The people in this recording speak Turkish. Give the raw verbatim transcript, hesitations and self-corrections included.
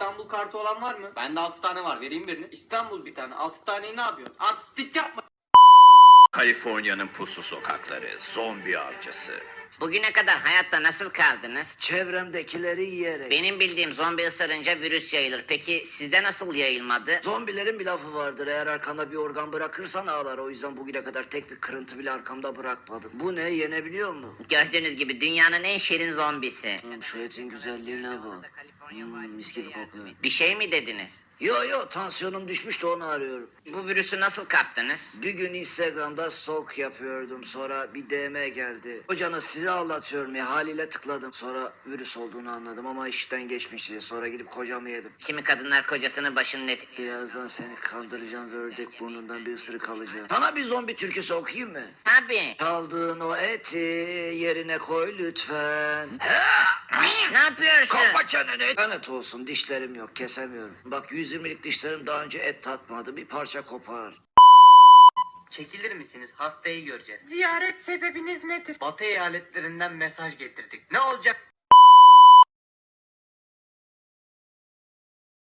İstanbul kartı olan var mı? Bende altı tane var. Vereyim birini. İstanbul bir tane. altı taneyi ne yapıyorsun? Artistik yapma. Kaliforniya'nın puslu sokakları, zombi avcısı. Bugüne kadar hayatta nasıl kaldınız? Çevremdekileri yiyerek. Benim bildiğim zombi ısırınca virüs yayılır. Peki sizde nasıl yayılmadı? Zombilerin bir lafı vardır. Eğer arkanda bir organ bırakırsan ağlar. O yüzden bugüne kadar tek bir kırıntı bile arkamda bırakmadım. Bu ne? Yenebiliyor mu? Gördüğünüz gibi dünyanın en şirin zombisi. Hmm, şu etin güzelliğine bak. Hmm, mis gibi kokuyor. Bir şey mi dediniz? Yo yo, tansiyonum düşmüş de onu arıyorum. Bu virüsü nasıl kaptınız? Bir gün Instagram'da stalk yapıyordum. Sonra bir D M geldi. Hocanız sizi anlatıyorum ya, haliyle tıkladım. Sonra virüs olduğunu anladım ama işten geçmişti. Sonra gidip kocamı yedim. Kimi kadınlar kocasının başının eti... Birazdan seni kandıracağım ve ördek burnundan bir ısırık alacağım. Sana bir zombi türküsü okuyayım mı? Tabii. Çaldığın o eti yerine koy lütfen. Ne yapıyorsun? Kapa çeneni. Lanet olsun, dişlerim yok, kesemiyorum. Bak, yüz yirmilik dişlerim daha önce et tatmadı. Bir parça kopar. Çekilir misiniz? Hastayı göreceğiz. Ziyaret sebebiniz nedir? Batı eyaletlerinden mesaj getirdik. Ne olacak?